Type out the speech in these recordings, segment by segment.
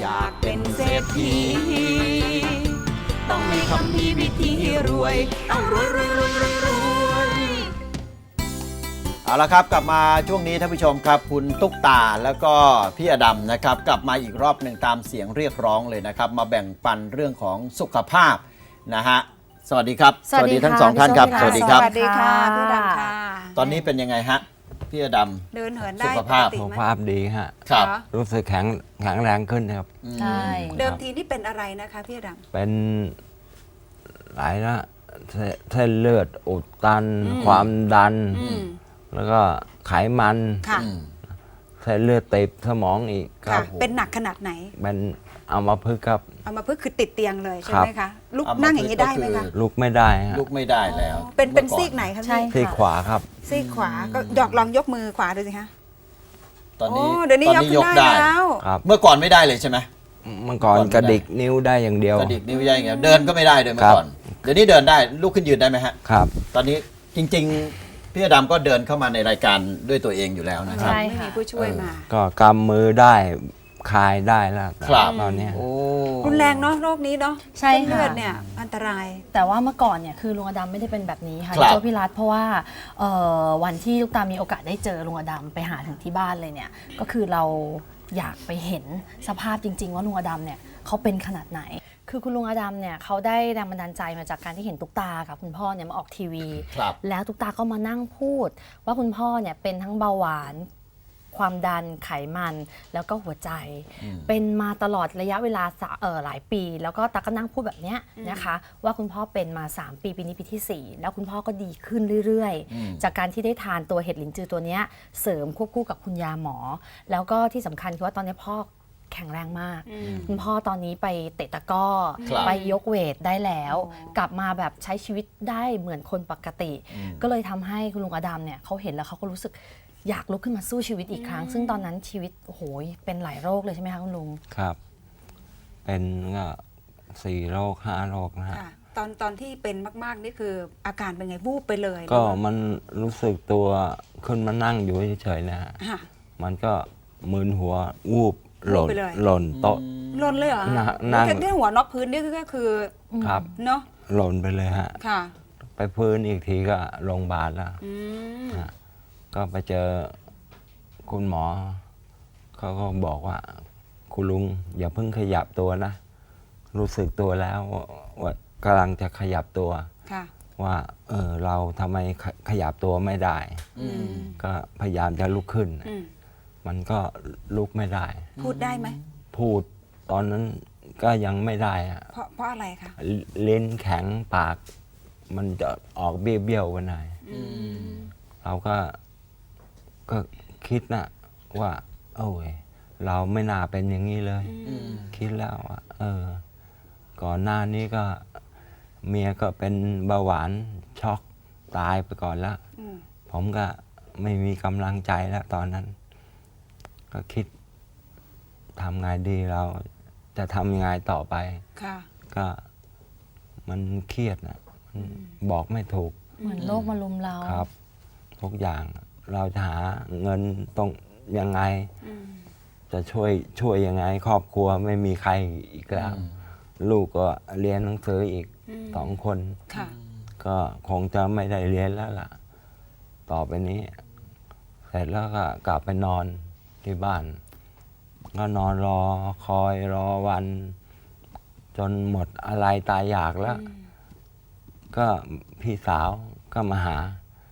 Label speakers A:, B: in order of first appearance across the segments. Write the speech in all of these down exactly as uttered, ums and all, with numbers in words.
A: ากเป็นเศรษฐีต้องมีคำพีวิธีรวยต้องรวยรวยรวยรวยรวย
B: เอาละครับกลับมาช่วงนี้ท่านผู้ชมครับคุณตุ๊กตาแล้วก็พี่อดัมนะครับกลับมาอีกรอบหนึ่งตามเสียงเรียกร้องเลยนะครับมาแบ่งปันเรื่องของสุขภาพนะฮะสวัสดีครับ
C: สวัสดี
B: ทั้งสองท่านครับสวัสดีครับ
A: สวัสดีค่ะพี่ดำค่ะ
B: ตอนนี้เป็นยังไงฮะพี่อดัม
A: เดินเหินได้
B: สุขภาพ
A: ปกติ
D: สุข
A: ไหม
D: ภาพดีฮะ
B: ครับ
A: เหรอ
D: รู้สึกแข็งแข็งแรงขึ้นครับ
C: ใช่
A: เดิมทีนี่เป็นอะไรนะคะพี่ดำ
D: เป็นหลายนะเส้นเส้นเลือดอุดตัน
A: อืม
D: ความดัน
A: อืม
D: แล้วก็ไขมัน
A: ค่ะ
B: อืม
D: เส้นเลือดตีบสมองอีกค
A: ค่ะ
D: รับ
A: เป็นหนักขนาดไหน
D: เป็นเอามาพึกษ์ครับ
A: เอามาเพื่อคือติดเตียงเลยใช่
D: ครับ
A: ไหมคะลุก
B: เอามา
A: นั่งอย่างนี้ได้ไหม
B: ก็
A: คะ
B: คือ
D: ลุกไม่ได้ฮะ
B: ลุกไม่ได้แล้ว
A: เป็นเป็น
B: มื่อ
A: ซีกไหนคะ
C: ใช่
A: พี่
D: ที่ขวาครับ
A: ซีกขวาก็หยอกลองยกมือขวาดูสิคะ
B: ตอนนี้
A: โเดี๋ยวนี้
B: ต
A: ย
B: อน
A: ก
B: นี้
A: ขึ้
B: ย
A: น
B: ก
A: ได้
B: ได้
A: แล้ว
D: ครับ
B: เมื่อก่อนไม่ได้เลยใช่ไหม
D: เมื่อก่อน
B: ก่อนไม่ได้
D: กระดิกนิ้วได้อย่างเดียว
B: กระดิกนิ้วได้ไงเดินก็ไม่ได้เลยเมื่
D: ครั
B: อบ ก่อนเดี๋ยวนี้เดินได้ลุกขึ้นยืนได้ไหมฮะ
D: ครับ
B: ตอนนี้จริงๆพี่อดัมก็เดินเข้ามาในรายการด้วยตัวเองอยู่แล้วนะครับ
C: ใช่
A: ไม่
C: ค่ะ
A: มีผู้ช่วยมา
D: ก็กำมือได้คลายได้แล้ว
B: ครับ
D: ตอนเนี้ย
B: โอ้
A: รุนแรงเนาะโรคนี้เนาะ
C: ใช่
A: เส้นเลื
C: ค่ะ
A: อดเนี่ยอันตราย
C: แต่ว่าเมื่อก่อนเนี่ยคือลุงอดัมไม่ได้เป็นแบบนี้ค่ะ
B: ครับ
C: พี่โจพี่รัฐเพราะว่าเอ่อวันที่ลูกตามีโอกาสได้เจอลุงอดัมไปหาถึงที่บ้านเลยเนี่ยก็คือเราอยากไปเห็นสภาพจริง ๆ ว่าลุงอดัมเนี่ยเขาเป็นขนาดไหน คือคุณลุงอดัมเนี่ยเขาได้แรงบันดาลใจมาจากการที่เห็นตุ๊กตากับคุณพ่อเนี่ยมาออกทีวี
B: ครับ
C: แล้วตุ๊กตาก็มานั่งพูด ว่าคุณพ่อเนี่ยเป็นทั้งเบาหวาน ความดันไขมันแล้วก็หัวใจ
B: อืม
C: เป็นมาตลอดระยะเวลาสะเอ่อหลายปี แล้วก็ตาก็นั่งพูดแบบเนี้ยนะคะ ว่าคุณพ่อเป็นมา สาม ปีปีนี้ปีที่ สี่ แล้วคุณพ่อก็ดีขึ้นเรื่อย
B: อืม
C: ๆ จากการที่ได้ทานตัวเห็ดหลินจือตัวเนี้ยเสริมควบคู่กับคุณยาหมอ แล้วก็ที่สำคัญคือว่าตอนนี้พ่อแข็งแรงมาก คุณพ่อตอนนี้ไปเตะตะกร้อ
B: ครับ
C: ไปยกเวทได้แล้ว
A: อ๋อ
C: กลับมาแบบใช้ชีวิตได้เหมือนคนปกติ
B: อืม
C: ก็เลยทำให้คุณลุงอดัมเนี่ยเขาเห็นแล้วเขาก็รู้สึกอยากลุกขึ้นมาสู้ชีวิตอีกครั้ง ซึ่งตอนนั้นชีวิตโอ้โหเป็นหลายโรคเลยใช่ไหมคะคุณลุง
D: ครับ เป็นก็สี่โรคห้าโรคนะฮะ
A: ค่ะตอนตอนที่เป็นมาก ๆ นี่คืออาการเป็นไงวูบไปเลย
D: ก็
A: หรือว่า
D: มันรู้สึกตัวขึ้นมานั่งอยู่เฉยๆนะฮะ
A: ค่ะ
D: มันก็มึนหัววูบหล่น
A: วูบไปเลย
D: หล่นโต๊ะ
A: หล่นเลยเหรอ
D: นั่งนั่ง
A: แค่ที่หัวนอกพื้นนี่ก็คือ
D: ครับ
A: เนาะ
D: หล่นไปเลยฮะ
A: ค่ะ
D: ไปพื้นอีกทีก็โรงพยาบาลแล้ว
A: อืม
D: ฮะก็ไปเจอคุณหมอ เขาก็บอกว่า คุณลุงอย่าเพิ่งขยับตัวนะ รู้สึกตัวแล้วว่าว่ากำลังจะขยับตัว
A: ค่ะ
D: ว่า เออเราทำไมขขยับตัวไม่ได้
B: อืม
D: ก็พยายามจะลุกขึ้น
A: อืม
D: มันก็ลุกไม่ได้
A: พูดได้ไหม
D: พูดตอนนั้นก็ยังไม่ได้อะ
A: เพราะเพราะอะไรคะ
D: ลิ้นแข็งปาก มันจะออกเบี้ยวๆไปหน่อย
A: อืม
D: เราก็ก็คิดนะว่า โอ้ยเราไม่น่าเป็นอย่างนี้เลย
B: อืม
D: คิดแล้วว่าเออ ก่อนหน้านี้ก็เมียก็เป็นเบาหวานช็อกตายไปก่อนแล้ว
A: อืม
D: ผมก็ไม่มีกำลังใจแล้วตอนนั้น ก็คิดทำไงดีเราจะทำยังไงต่อไป
A: ค่ะ
D: ก็มันเครียดนะมันบอกไม่ถูก
C: เหมือนโรคมาลุมเรา
D: ครับ ทุกอย่างเราจะหาเงินตรงยังไง
A: อืม
D: จะช่วยช่วยยังไง ครอบครัวไม่มีใครอีกแล้ว
B: อืม
D: ลูกก็เรียนหนังสืออีก
A: อืม
D: สองคน
A: ค่ะ
D: ก็คงจะไม่ได้เรียนแล้วล่ะ ต่อไปนี้ เสร็จแล้วก็กลับไปนอนที่บ้าน ก็นอนรอคอยรอวัน จนหมดอะไรตายอยากแล้ว ก็พี่สาวก็มาหา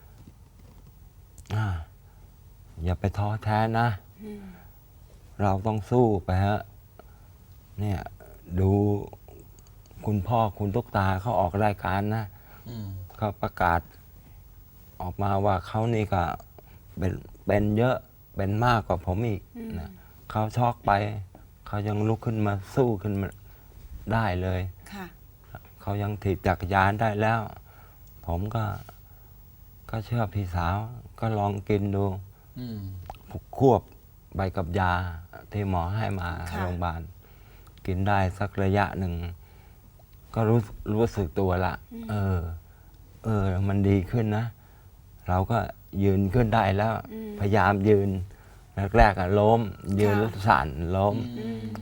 D: อาอย่าไปท้อแท้นะ
A: อืม
D: เราต้องสู้ไปฮะ เนี่ย ดูคุณพ่อคุณตุ๊กตาเขาออกรายการนะ
B: อืม
D: เขาประกาศออกมาว่าเขานี่ก็เป็นเป็นเยอะเป็นมากกว่าผมอีกนะเขาช็อกไป เขายังลุกขึ้นมาสู้ขึ้นมาได้เลย
A: ค่ะ
D: เขายังถีบจักรยานได้แล้ว ผมก็ ก็เชื่อพี่สาว ก็ลองกินดู
B: อืม
D: ควบไปกับยาที่หมอให้มา
A: ค่ะ
D: โรงพยาบาล กินได้สักระยะหนึ่ง ก็รู้รู้สึกตัวละ เออ เออ มันดีขึ้นนะ เราก็ยืนขึ้นได้แล้ว พยายามยืน แรกๆอะล้ม ยืนแล้วสั่นล้ม
A: อืม
D: พ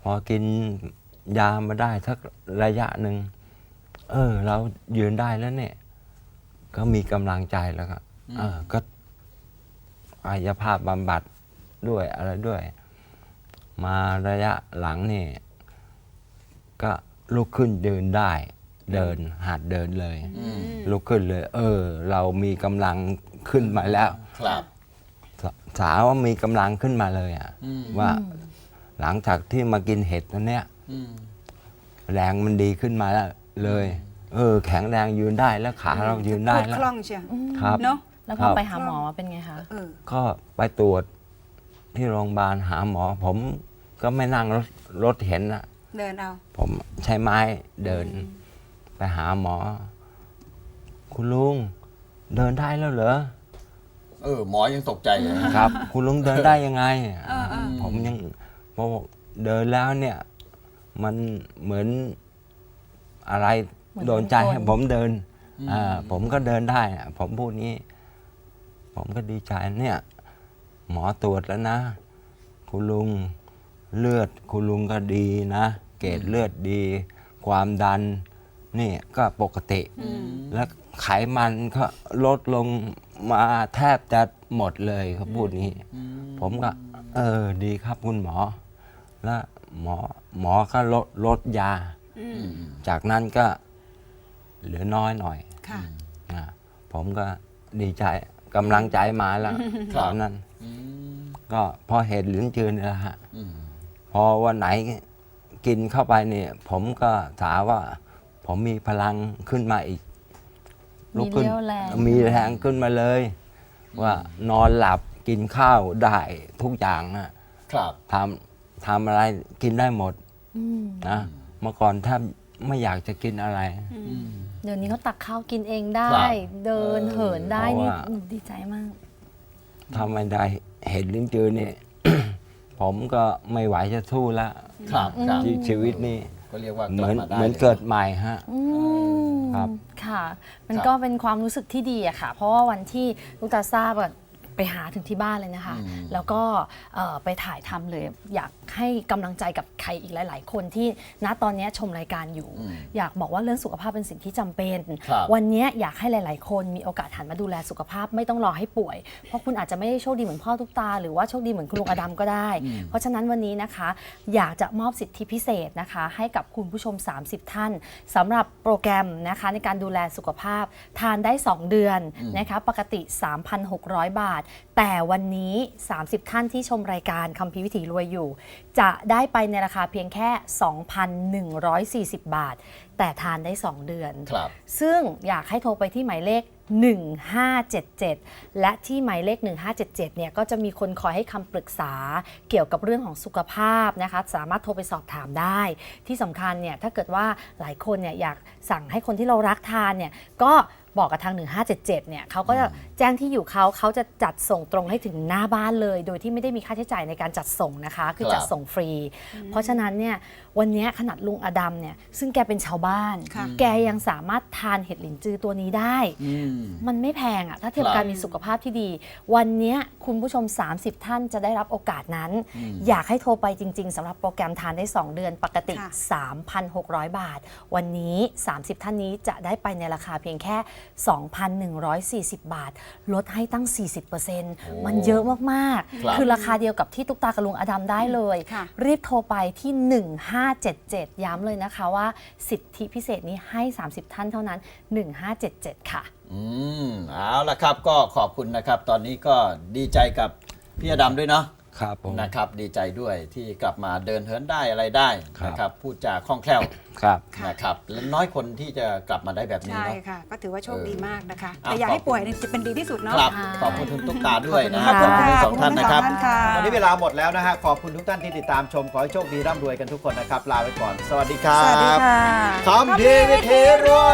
D: พอกินยามาได้สักระยะหนึ่งเออ เรายืนได้แล้วเนี่ย ก็มีกำลังใจแล้วก็เออก็กายภาพบำบัดด้วยอะไรด้วย มาระยะหลังนี่ก็ลุกขึ้นเดินได้ เดินหัดเดินเลย ลุกขึ้นเลย เออ เรามีกำลังขึ้นมาแล้ว
B: ครับ
D: สสาวว่ามีกำลังขึ้นมาเลยอ่ะ
B: อืม
D: ว่าหลังจากที่มากินเห็ดตัวเนี้ย
B: อืม
D: แรงมันดีขึ้นมาแล้วเลย เออ แข็งแรงยืนได้แล้วขาเรายืนได้
E: พูด
D: แล้ว
E: คล่องเชียว
D: ครับ
E: เนาะ
C: แล้วพ
D: ครั
C: อบ ไปหาหมอเป็นไงคะ
E: เออ
D: ก็ไปตรวจที่โรงพยาบาลหาหมอ ผมก็ไม่นั่งรถรถเห็นอะ
E: เดินเอา
D: ผมใช้ไม้เดิน ไปหาหมอ คุณลุงเดินได้แล้วเหรอ
B: เออหมอยังตกใจเลยนะครับ
D: คุณลุงเดินได้ยังไง
E: เออเออ
D: ผมยังพอเดินแล้วเนี่ย มันเหมือนอะไร
C: เหมือน
D: โดนใจ
C: คน
D: ให้ผมเดินอ่าผมก็เดินได้อะผมพูดงี้ ผมก็ดีใจเนี่ย หมอตรวจแล้วนะ คุณลุงเลือด คุณลุงก็ดีนะ เกรดเลือดดี ความดัน นี่ก็ปกติ แล้วไขมันก็ลดลงมาแทบจะหมดเลยเขาพูดงี้ ผมก็ เออดีครับคุณหมอ แล้วหมอหมอก็ลดลดยา
E: อืม
D: จากนั้นก็เหลือน้อยหน่อย
E: ค่ะ
D: อ่าผมก็ดีใจกำลังใจมาแล้วตอนนั้น
B: อืม
D: ก็พอเห็นลิ้นจือนี่แหละฮะ
B: อืม
D: พอวันไหนกินเข้าไปเนี่ยผมก็ถามว่า ผมมีพลังขึ้นมาอีก
C: มี
D: ขึ้น
C: เรี่ยวแรง
D: มีแรงขึ้นมาเลย ว่านอนหลับกินข้าวได้ทุกอย่างนะครับ ทำทำอะไรกินได้หมด
C: อืม
D: นะเมื่อก่อนแทบไม่อยากจะกินอะไร
B: อืม
C: เดี๋ยวนี้เขาตักข้าวกินเองได้
B: ครับ
C: เดิน
B: เออ
C: เหินได้
D: เพราะ
C: นี่
D: ว่า
C: หนูดีใจมาก
D: ถ้าไม่ได้เห็นลิ้นจือนี่ ผมก็ไม่ไหวจะสู้แล้ว
B: ครับครับ
D: ชีชีวิตนี้
B: ก็เรียกว่า
D: เหมือน
B: กลับาได้
D: เหมือน
B: ลย
D: เกิดใหม่ฮะ
C: อืม
D: ครับ
C: ค่ะ มัน
B: ครับ
C: ก็เป็นความรู้สึกที่ดีอะค่ะ เพราะว่าวันที่ลูกตาทราบอะไปหาถึงที่บ้านเลยนะคะ
B: อืม
C: แล้วก็เอ่อไปถ่ายทำเลย อยากให้กำลังใจกับใครอีกหลาย ๆ คนที่ณตอนนี้ชมรายการอยู่
B: อืม
C: อยากบอกว่าเรื่องสุขภาพเป็นสิ่งที่จำเป็น
B: ครับ
C: วันนี้อยากให้หลาย ๆ คนมีโอกาสหันมาดูแลสุขภาพไม่ต้องรอให้ป่วย เพราะคุณอาจจะไม่ได้โชคดีเหมือนพ่อทุกตา หรือว่าโชคดีเหมือนคุณลุงอดัมก็ได้ เพราะฉะนั้นวันนี้นะคะ อยากจะมอบสิทธิพิเศษนะคะ ให้กับคุณผู้ชม สามสิบ ท่านสำหรับโปรแกรมนะคะในการดูแลสุขภาพทานได้ สอง เดือนนะคะปกติ สามพันหกร้อย บาท แต่วันนี้ สามสิบ ท่านที่ชมรายการคัมภีร์วิถีรวยอยู่ จะได้ไปในราคาเพียงแค่ สองพันหนึ่งร้อยสี่สิบ บาท แต่ทานได้ สอง เดือน
B: ครับ
C: ซึ่งอยากให้โทรไปที่หมายเลข หนึ่งห้าเจ็ดเจ็ด และที่หมายเลข หนึ่งห้าเจ็ดเจ็ด เนี่ยก็จะมีคนคอยให้คำปรึกษาเกี่ยวกับเรื่องของสุขภาพนะคะสามารถโทรไปสอบถามได้ ที่สำคัญเนี่ยถ้าเกิดว่าหลายคนเนี่ยอยากสั่งให้คนที่เรารักทานเนี่ยก็บอกกับทาง หนึ่งห้าเจ็ดเจ็ด เนี่ยเขาก็จะแจ้งที่อยู่เขาเขาจะจัดส่งตรงให้ถึงหน้าบ้านเลย โดยที่ไม่ได้มีค่าใช้จ่ายในการจัดส่งนะคะ คือจัดส่งฟรี เพราะฉะนั้นเนี่ยวันนี้ขนาดลุงอดัมเนี่ยซึ่งแกเป็นชาวบ้าน
E: ค่ะ
C: แกยังสามารถทานเห็ดหลินจือตัวนี้ได้
B: อืม
C: มันไม่แพงอะถ้าเทียบ
B: ครับ
C: การมีสุขภาพที่ดี วันเนี้ยคุณผู้ชม สามสิบ ท่านจะได้รับโอกาสนั้น อยากให้โทรไปจริง ๆสำหรับโปรแกรมทานได้ สอง เดือนปกติ
E: ค่ะ
C: สามพันหกร้อย บาท วันนี้ สามสิบ ท่านนี้จะได้ไปในราคาเพียงแค่ สองพันหนึ่งร้อยสี่สิบ บาท ลดให้ตั้ง สี่สิบเปอร์เซ็นต์ มันเยอะมาก
B: ครับ
C: ๆ คือราคาเดียวกับที่ตุ๊กตากับลุงอดัมได้เลย
E: ค่ะ
C: รีบโทรไปที่ หนึ่งห้าเจ็ดเจ็ด ย้ำเลยนะคะว่าสิทธิพิเศษนี้ให้ สามสิบ ท่านเท่านั้น หนึ่งห้าเจ็ดเจ็ด ค่ะ
B: อืมเอาละครับก็ขอบคุณนะครับ ตอนนี้ก็ดีใจกับพี่อดำด้วยเนาะ
D: ครับผม
B: นะครับดีใจด้วยที่กลับมาเดินเหินได้อะไรได้
D: ครับ
B: นะครับพูดจาคล่องแคล่ว
D: ครับ
E: ค่ะ
B: นะครับและน้อยคนที่จะกลับมาได้แบบนี้
E: ใช่
B: เนาะ
E: ค่ะ ก็ถือว่าโชคดีมากนะคะ
B: อ่ะ
E: แต่อยากให้
B: ขอบคุณ
E: ป่วยเนี่ยจะเป็นดีที่สุดเนาะ
B: ครับ
C: ค่ะ
B: ขอบคุณคุณตุ๊กตาด้วยนะ
C: ขอบคุณ
B: ขอบคุณ
C: ค่ะ
B: ทั้งสองท่านนะครับ
E: ขอบคุณทั้งสองท่านค่ะ
B: วันนี้เวลาหมดแล้วนะฮะขอบคุณทุกท่านที่ติดตามชมขอให้โชคดีร่ำรวยกันทุกคนนะครับลาไปก่อนสวัสดีครับ
E: สวัสดีค่ะ
B: คำพีร์วิถีรวย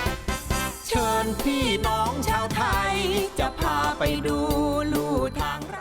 A: เชิญพี่น้องชาวไทย จะพาไปดูลู่ทาง